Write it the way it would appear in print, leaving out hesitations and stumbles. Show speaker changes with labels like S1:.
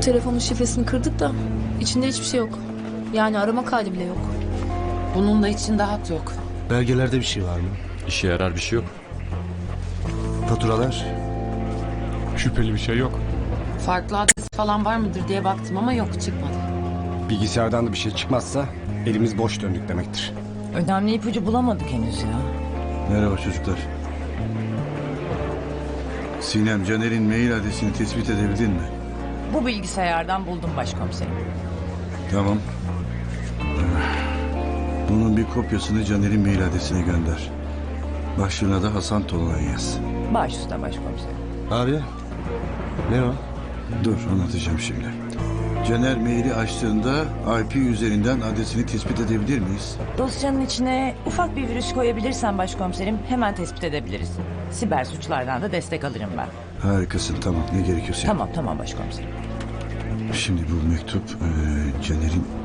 S1: telefonun şifresini kırdık da içinde hiçbir şey yok. Yani arama kaydı bile yok.
S2: Bunun da içinde hat yok.
S3: Belgelerde bir şey var mı?
S4: İşe yarar bir şey yok.
S3: Faturalar?
S4: Şüpheli bir şey yok.
S2: Farklı adres falan var mıdır diye baktım ama yok, çıkmadı.
S5: Bilgisayardan da bir şey çıkmazsa elimiz boş döndük demektir.
S6: Önemli ipucu bulamadık henüz ya.
S7: Merhaba çocuklar. Sinem, Caner'in mail adresini tespit edebildin mi?
S6: Bu bilgisayardan buldum başkomiserim.
S7: Tamam. Bunun bir kopyasını Caner'in mail adresine gönder. Başlığına da Hasan Tolunay yaz.
S6: Baş üstüne başkomiserim.
S3: Abi ne o?
S7: Dur, anlatacağım şimdi. Caner maili açtığında IP üzerinden adresini tespit edebilir miyiz?
S6: Dosyanın içine ufak bir virüs koyabilirsen başkomiserim hemen tespit edebiliriz. Siber suçlardan da destek alırım ben.
S7: Harikasın, tamam. Ne gerekiyorsa.
S6: Tamam başkomiserim.
S7: Şimdi bu mektup Caner'in